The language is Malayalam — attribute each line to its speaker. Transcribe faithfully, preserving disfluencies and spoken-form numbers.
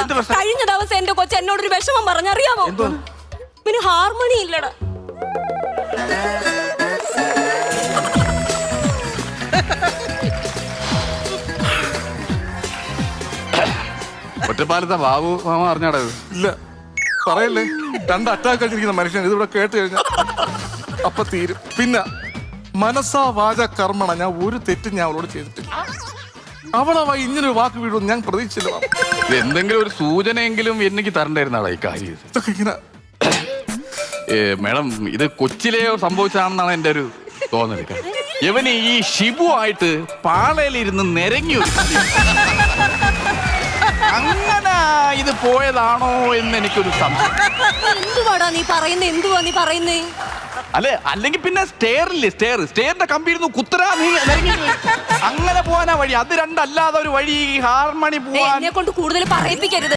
Speaker 1: കഴിഞ്ഞ ദിവസം എന്റെ കൊച്ചു എന്നോടൊരു വിഷമം പറഞ്ഞറിയാമോ? പിന്നെ ഹാർമോണി ഇല്ലടാ.
Speaker 2: ഒറ്റപ്പാലത്തെ ബാബു മാമ അറിഞ്ഞാടാ?
Speaker 3: ഇല്ല പറയല്ലേ, രണ്ട് അറ്റാക്ക് കഴിച്ചിരിക്കുന്ന മനുഷ്യൻ ഇതിവിടെ കേട്ട് കഴിഞ്ഞാൽ അപ്പൊ തീരും. പിന്നെ മനസ്സാ വാച കർമ്മണ ഞാൻ ഒരു തെറ്റും ഞാൻ അവളോട് ചെയ്തിട്ടില്ല. അവളാ ഇങ്ങനൊരു വാക്ക് വീഴും ഞാൻ പ്രതീക്ഷിച്ചില്ല.
Speaker 2: എന്തെങ്കിലും ഒരു സൂചനയെങ്കിലും എനിക്ക് തരണ്ടായിരുന്നാടാ ഈ കാര്യം.
Speaker 3: ഇതൊക്കെ ഇങ്ങനെ
Speaker 2: മേഡം, ഇത് കൊച്ചിലെ സംഭവിച്ചതാണെന്നാണ് എൻ്റെ ഒരു തോന്നൽ. ഇവന് ഈ ഷിബു ആയിട്ട് പാളയിലിരുന്ന് നിരങ്ങി അങ്ങനെ ഇത് പോയതാണോ എന്ന് എനിക്കൊരു സംശയം.
Speaker 1: എന്തുവാടാ നീ പറയുന്നേ? എന്തുവാ നീ പറയുന്നേ?
Speaker 2: അല്ലെ, അല്ലെങ്കിൽ പിന്നെ സ്റ്റെയറില്ലേ, സ്റ്റെയർ സ്റ്റെയറിന്റെ കമ്പി ഇരുന്നു കുത്തരാ നീ നിരങ്ങി അങ്ങനെ പോകാനാ വഴി. അത് രണ്ടല്ലാതെ ഒരു വഴി ഹാർമണി പോവാൻ.
Speaker 1: എന്നെ കൊണ്ട് കൂടുതൽ പറയിപ്പിക്കരുത്.